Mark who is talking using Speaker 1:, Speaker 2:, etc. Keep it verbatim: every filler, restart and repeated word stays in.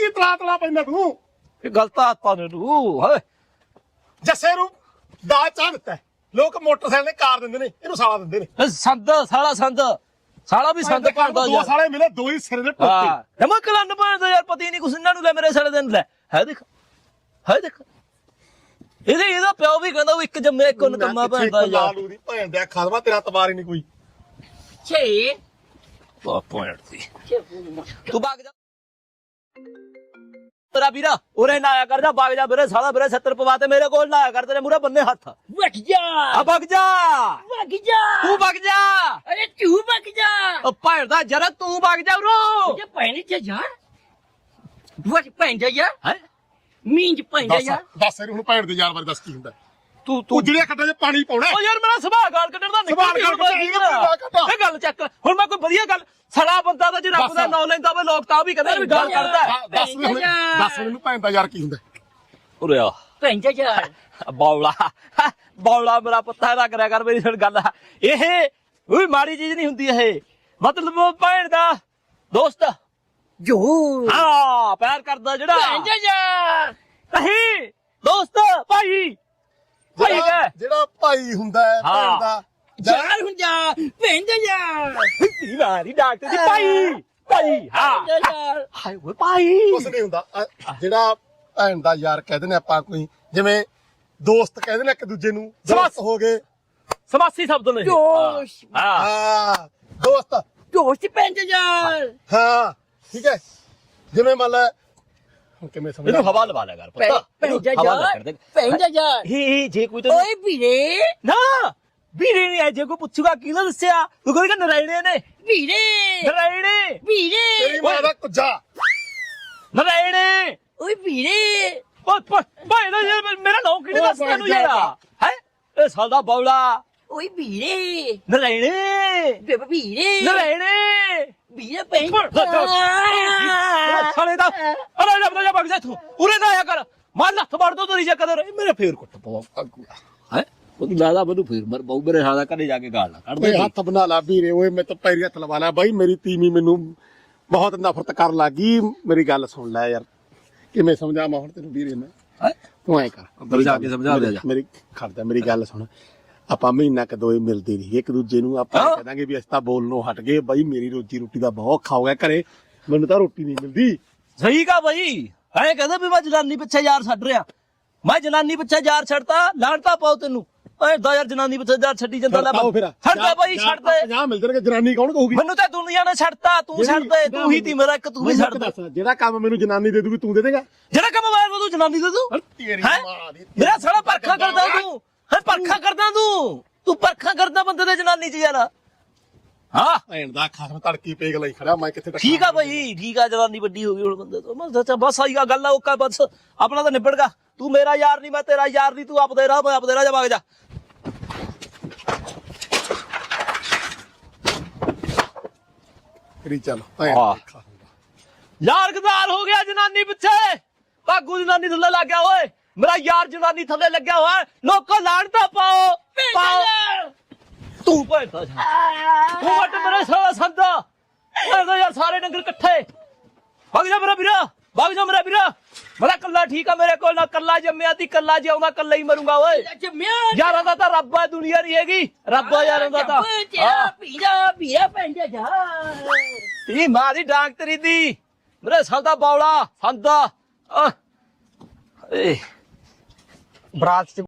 Speaker 1: ਕੀ ਤਲਾ ਤਲਾ ਪੈਂਦਾ ਤੂੰ
Speaker 2: ਇਹ ਗਲਤ ਆਦਤਾਂ ਨੇ ਤੂੰ ਹੈ
Speaker 1: ਜੱਸੇ ਨੂੰ ਦਾ ਚਾਹ ਦਿੱਤਾ ਲੋਕ ਮੋਟਰਸਾਈਕਲ ਨੇ ਕਾਰ ਦਿੰਦੇ ਨੇ ਇਹਨੂੰ ਸਾਲਾ ਦਿੰਦੇ ਨੇ
Speaker 2: ਸੰਦ ਸਾਲਾ ਸੰਦ ਸਾਲਾ ਵੀ ਸੰਦ ਭਰਦਾ
Speaker 1: ਦੋ ਸਾਲੇ ਮਿਲੇ ਦੋ ਹੀ ਸਿਰੇ ਦੇ ਟੁੱਟੇ
Speaker 2: ਹਾਂ ਮੈਂ ਕਲੰਨ ਭਰਦਾ ਯਾਰ ਪਤੀ ਨਹੀਂ ਕੁਛ ਇਹਨਾਂ ਨੂੰ ਲੈ ਮੇਰੇ ਸਾਲੇ ਦਿਨ ਲੈ ਹੈ ਦੇਖ ਹੈ ਦੇਖ ਇਹਦੇ ਇਹਦਾ ਪਿਓ ਵੀ ਕਹਿੰਦਾ ਉਹ ਇੱਕ ਜੰਮੇ ਇੱਕ ਨਕਮਾ ਭਰਦਾ ਯਾਰ
Speaker 1: ਲਾਲੂ ਦੀ ਭੈਣ ਦਾ ਖਾਦਵਾ ਤੇਰਾ ਤਵਾਰ ਹੀ ਨਹੀਂ ਕੋਈ
Speaker 3: ਛੇ
Speaker 2: ਬਾ ਪੁਆਇੰਟ ਸੀ ਤੂੰ ਭਾਗ ਜਾ ਤੇਰਾ ਵੀਰਾ ਉਰੇ ਨਾ ਆਇਆ ਕਰ ਜਾ ਭਾਗ ਜਾ ਵੀਰੇ ਸਾਲਾ ਵੀਰੇ ਸੱਤਰ ਪਵਾ ਤੇ ਮੇਰੇ ਕੋਲ ਨਾ ਆਇਆ ਕਰ ਤੇਰੇ ਮੂਰੇ ਬੰਨੇ ਹੱਥ
Speaker 3: ਵਗ ਜਾ
Speaker 2: ਆ ਭਾਗ ਜਾ
Speaker 3: ਵਗ ਜਾ
Speaker 2: ਤੂੰ ਭਾਗ ਜਾ
Speaker 3: ਅਰੇ ਤੂੰ ਵਗ ਜਾ
Speaker 2: ਉਹ ਭੈਣਦਾ ਜਰਾ ਤੂੰ ਭਾਗ ਜਾ ਉਰੋ
Speaker 3: ਜੇ ਪੈਣੀ ਚ ਜਾ ਵਗ ਪੈਣ ਜਾ ਯਾਰ
Speaker 2: ਹੈ
Speaker 3: ਮੀਂਜ ਪੈਣ ਜਾ
Speaker 1: ਦੱਸ
Speaker 3: ਯਾਰ
Speaker 1: ਦੱਸ ਇਹਨੂੰ ਭੈਣ ਦੇ ਯਾਰ ਬਾਰੇ ਦੱਸ ਕੀ ਹੁੰਦਾ
Speaker 2: ਤੂੰ
Speaker 1: ਤੂੰ ਜਿਹੜੀਆਂ ਖੱਡਾਂ 'ਚ ਪਾਣੀ ਪਾਉਣਾ
Speaker 2: ਓ ਯਾਰ ਮੇਰਾ ਸੁਭਾਅ ਗਾਲ ਕੱਢਣ ਦਾ
Speaker 1: ਸੁਭਾਅ ਗਾਲ ਕੱਢਣ
Speaker 2: ਇਹ ਗੱਲ ਚੱਕ ਹੁਣ ਮੈਂ ਕੋਈ ਵਧੀਆ ਗੱਲ ਸੜਾ ਬੰਦਾ ਤਾਂ ਜੇ ਰੱਬ ਦਾ ਨਾਮ ਲੈਂਦਾ ਵੇ ਲੋਕ ਤਾਂ ਵੀ ਕਹਿੰਦੇ ਵੀ ਗਾਲ ਕੱਢਦਾ
Speaker 1: ਦੱਸ ਮੈਨੂੰ ਦੱਸ ਮੈਨੂੰ ਭੈਣ ਦਾ ਯਾਰ ਕੀ ਹੁੰਦਾ
Speaker 2: ਉਰੇ ਆ
Speaker 3: ਪੈਣ ਜਾ ਯਾਰ
Speaker 2: ਬੌਲਾ ਬੌਲਾ ਮੇਰਾ ਪੱਤਾ ਨਾ ਕਰਿਆ ਕਰ ਮੇਰੀ ਸੁਣ ਗੱਲ ਇਹ ਕੋਈ ਮਾੜੀ ਚੀਜ਼ ਨਹੀਂ ਹੁੰਦੀ ਇਹ ਮਤਲਬ ਭੈਣ ਦਾ ਦੋਸਤ
Speaker 3: ਜੋ
Speaker 2: ਹਾਂ ਪਿਆਰ ਕਰਦਾ ਜਿਹੜਾ
Speaker 3: ਪੈਣ ਜਾ ਯਾਰ
Speaker 2: ਨਹੀਂ ਦੋਸਤ ਭਾਈ ਭਾਈ ਕਹ
Speaker 1: ਜਿਹੜਾ ਭਾਈ ਹੁੰਦਾ ਹੈ ਭੈਣ ਦਾ
Speaker 3: ਯਾਰ ਹੁਣ ਜਾ ਪੈਣ ਜਾ ਯਾਰ
Speaker 2: ਤੇਰੀ ਮਾਰੀ ਡਾਕਟਰ ਦੀ ਭਾਈ ਭਾਈ ਹਾਂ
Speaker 3: ਜਾ ਯਾਰ
Speaker 2: ਹਾਏ ਓਏ ਭਾਈ
Speaker 1: ਕੁਛ ਨਹੀਂ ਹੁੰਦਾ ਅ- ਜਿਹੜਾ ਭੈਣ ਦਾ ਯਾਰ ਕਹਿੰਦੇ ਨੇ ਆਪਾਂ ਕੋਈ ਜਿਵੇਂ ਦੋਸਤ ਕਹਿੰਦੇ ਨੇ ਇੱਕ ਦੂਜੇ ਨੂੰ ਦੋਸਤ ਹੋ ਗਏ
Speaker 2: ਸਮਾਸੀ ਸ਼ਬਦ ਨੇ
Speaker 3: ਦੋਸਤ
Speaker 2: ਹਾਂ
Speaker 1: ਹਾਂ ਦੋਸਤ
Speaker 3: ਦੋਸਤ ਪੈਣ ਜਾ ਯਾਰ
Speaker 1: ਹਾਂ ਠੀਕ ਹੈ ਜਿਵੇਂ ਮੰਨ ਲੈ ਹੁਣ ਕਿਵੇਂ ਸਮਝ
Speaker 2: ਇਹਨੂੰ ਹਵਾ ਲਵਾ ਲਿਆ ਕਰ ਪੁੱਤ
Speaker 3: ਪੈਣ ਜਾ
Speaker 2: ਹਵਾ ਲੈ
Speaker 3: ਯਾਰ
Speaker 2: ਕਰ ਦੇ
Speaker 3: ਪੈਣ ਜਾ ਯਾਰ
Speaker 2: ਇਹ ਜੇ ਕੋਈ ਤੈਨੂੰ
Speaker 3: ਓਏ ਵੀਰੇ
Speaker 2: ਨਾ ਵੀਰੇ ਨਹੀਂ ਜੇ ਕੋਈ ਪੁੱਛੂਗਾ ਕੀ ਨਾ ਦੱਸਿਆ ਤੂੰ ਕਹੇਗਾ ਨਰਾਇਣੇ ਨੇ
Speaker 3: ਵੀਰੇ
Speaker 2: ਨਰਾਇਣੇ
Speaker 3: ਵੀਰੇ
Speaker 1: ਤੇਰੀ ਮਾਂ ਦਾ ਕੁੱਜਾ
Speaker 2: ਨਰਾਇਣੇ
Speaker 3: ਓਏ ਵੀਰੇ
Speaker 2: ਓਏ ਭਾਈ ਦਾ ਯਾਰ ਮੇਰਾ ਨਾਮ ਕਿਹਨੇ ਦੱਸ ਤੈਨੂੰ ਯਾਰ ਹੈ ਇਹ ਸਾਲ ਦਾ ਬੌਲਾ
Speaker 3: ਓਏ ਵੀਰੇ
Speaker 2: ਨਰਾਇਣੇ
Speaker 3: ਬੇਬੇ ਵੀਰੇ
Speaker 2: ਨਰਾਇਣੇ
Speaker 3: ਵੀਰੇ ਪੈਣ
Speaker 2: ਸਾਲੇ ਦਾ ਅਰੇ ਰੱਬ ਦਾ ਭਗ ਜਾ ਤੂੰ ਉਰੇ ਨਾ ਆਇਆ ਕਰ ਮਾਰ ਲੱਥ ਮਾਰ ਦੋ ਤੇਰੀ ਚੱਕਰ ਮੇਰੇ ਫੇਰ ਕੁੱਟ ਪਵਾ ਹੈ ਉਹ ਲਾਦਾ ਮੈਨੂੰ ਫੇਰ ਮਰ ਬਹੁ ਮੇਰੇ ਹਾਦਾ ਘਰੇ ਜਾ ਕੇ ਗਾਲ ਨਾ ਕੱਢ
Speaker 1: ਓਏ
Speaker 2: ਦੇ
Speaker 1: ਹੱਥ ਬਣਾ ਲਾ ਵੀਰੇ ਓਏ ਮੈਂ ਤਾਂ ਪੈਰੀ ਹੱਥ ਲਵਾ ਲਿਆ ਬਾਈ ਮੇਰੀ ਤੀਵੀਂ ਮੈਨੂੰ ਬਹੁਤ ਨਫ਼ਰਤ ਕਰਨ ਲੱਗੀ ਮੇਰੀ ਗੱਲ ਸੁਣ ਲੈ ਯਾਰ ਕਿਵੇਂ ਸਮਝਾਵਾਂ ਹੁਣ ਤੈਨੂੰ ਵੀਰੇ ਮੈਂ
Speaker 2: ਹੈਂ?
Speaker 1: ਤੂੰ ਐ ਕਰ
Speaker 2: ਅੰਦਰ ਜਾ ਕੇ ਸਮਝਾ ਦੇ ਜਾ
Speaker 1: ਮੇਰੀ ਖੜਦਾ ਮੇਰੀ ਗੱਲ ਸੁਣ ਆਪਾਂ ਮਹੀਨਾ ਕ ਦੋਏ ਮਿਲਦੇ ਨਹੀਂ ਇੱਕ ਦੂਜੇ ਨੂੰ ਆਪਾਂ
Speaker 2: ਹਾਂ।
Speaker 1: ਕਹਿ ਦਾਂਗੇ ਵੀ ਅਸੀਂ ਤਾਂ ਬੋਲਣੋਂ ਹਟ ਗਏ ਬਾਈ ਮੇਰੀ ਰੋਜੀ ਰੋਟੀ ਦਾ ਬਹੁਤ ਔਖਾ ਹੋ ਗਿਆ ਘਰੇ ਮੈਨੂੰ ਤਾਂ ਰੋਟੀ ਨਹੀਂ ਮਿਲਦੀ
Speaker 2: ਸਹੀ ਕਾ ਭਾਈ ਐ ਕਹਿੰਦਾ ਵੀ ਮੈਂ ਜਨਾਨੀ ਪਿੱਛੇ ਯਾਰ ਛੱਡ ਰਿਹਾ ਮੈਂ ਜਨਾਨੀ ਪਿੱਛੇ ਯਾਰ ਛੱਡਤਾ ਲਾਣਤਾ ਪਾਉ ਤੈਨੂੰ ਓਏ ਦਾ ਯਾਰ ਜਨਾਨੀ ਪਿੱਛੇ ਯਾਰ ਛੱਡੀ ਜਾਂਦਾ ਲੈ
Speaker 1: ਛੱਡਤਾ ਉਹ ਫਿਰ
Speaker 2: ਛੱਡਦਾ ਭਾਈ ਛੱਡ ਦੇ
Speaker 1: ਪੰਜਾਹ ਮਿਲ ਜਾਣਗੇ ਜਨਾਨੀ ਕੌਣ ਕਹੂਗੀ
Speaker 2: ਮੈਨੂੰ ਤਾਂ ਦੁਨੀਆ ਨੇ ਛੱਡਤਾ ਤੂੰ ਛੱਡ ਦੇ ਤੂੰ ਹੀ ਤੀ ਮੇਰਾ ਇੱਕ ਤੂੰ ਵੀ ਛੱਡ ਦੇ
Speaker 1: ਦੱਸ ਜਿਹੜਾ ਕੰਮ ਮੈਨੂੰ ਜਨਾਨੀ ਦੇ ਦੂਗੀ ਤੂੰ ਦੇ ਦੇਗਾ
Speaker 2: ਜਿਹੜਾ ਕੰਮ ਮੈਂ ਤੂੰ ਜਨਾਨੀ ਦੇ ਦੂੰ
Speaker 1: ਤੇਰੀ
Speaker 2: ਹੈਂ?
Speaker 1: ਮਾਂ ਦੀ
Speaker 2: ਮੇਰਾ ਸਾਲਾ ਪਰਖਾ ਕਰਦਾ ਤੂੰ ਹੈ ਪਰਖਾ ਕਰਦਾ ਤੂੰ ਤੂੰ ਪਰਖਾ ਕਰਦਾ ਬੰਦੇ ਦੇ ਜਨਾਨੀ ਚ ਯਾਰ ਹਾਂ
Speaker 1: ਭੈਣ ਦਾ ਖਾਸ ਤੜਕੀ ਪੇਗ ਲਈ ਖੜਾ ਮੈਂ ਕਿੱਥੇ ਟੱਕਰਾਂ
Speaker 2: ਠੀਕ ਆ ਭਾਈ ਠੀਕ ਆ ਜਨਾਨੀ ਵੱਡੀ ਹੋ ਗਈ ਹੁਣ ਬੰਦੇ ਤੋਂ ਬਸ ਅੱਛਾ ਬਸ ਆਈ ਗੱਲ ਆ ਓਕਾ ਬਸ ਆਪਣਾ ਤਾਂ ਨਿਬੜ ਗਿਆ ਤੂੰ ਮੇਰਾ ਯਾਰ ਨਹੀਂ ਮੈਂ ਤੇਰਾ ਯਾਰ ਨਹੀਂ ਤੂੰ ਆਪਦੇ ਰਾਹ ਮੈਂ ਆਪਦੇ ਰਾਹ ਜਾ ਵਗ ਜਾ
Speaker 1: ਕਰੀ ਚੱਲ ਭੈਣ
Speaker 2: ਹਾਂ।
Speaker 1: ਦੀ ਖਾਸ।
Speaker 2: ਯਾਰ ਗਦਾਰ ਹੋ ਗਿਆ ਜਨਾਨੀ ਪਿੱਛੇ ਭਾਗੂ ਜਨਾਨੀ ਥੱਲੇ ਲੱਗ ਗਿਆ ਓਏ ਮੇਰਾ ਯਾਰ ਜਨਾਨੀ ਥੱਲੇ ਲੱਗਿਆ ਹੋਇਆ ਲੋਕੋ ਲਾਣਤਾ ਪਾਓ ਪਾਓ ਤੂੰ ਭੈਂਦਾ ਤੂੰ ਵੱਟ ਮੇਰੇ ਸਾਲਾ ਸੰਦਾ ਇਹਦਾ ਯਾਰ ਸਾਰੇ ਡੰਗਰ ਇਕੱਠੇ ਵਗ ਜਾ ਮੇਰਾ ਵੀਰਾ ਵਗ ਜਾ ਮੇਰਾ ਵੀਰਾ ਮੇਰਾ ਕੱਲਾ ਠੀਕ ਆ ਮੇਰੇ ਕੋਲ ਨਾ ਕੱਲਾ ਜੰਮਿਆ ਤੀ ਕੱਲਾ ਜਿਉਂਦਾ ਕੱਲਾ ਹੀ ਮਰੂੰਗਾ ਓਏ
Speaker 3: ਜੰਮਿਆ
Speaker 2: ਯਾਰਾਂ ਦਾ ਤਾਂ ਰੱਬ ਆ ਦੁਨੀਆ ਨਹੀਂ ਹੈਗੀ ਰੱਬ ਆ ਯਾਰਾਂ ਦਾ ਤਾਂ
Speaker 3: ਤੇਰਾ ਪੀਰਾ ਪੀਰਾ ਪੈਣ ਜਾ ਜਾ
Speaker 2: ਤੀ ਮਾਂ ਦੀ ਡਾਂਗ ਤੇਰੀ ਦੀ ਮੇਰੇ ਸਾਲ ਦਾ ਬੌਲਾ ਸੰਦਾ ਏ
Speaker 1: ਬਰਾਤ ਚ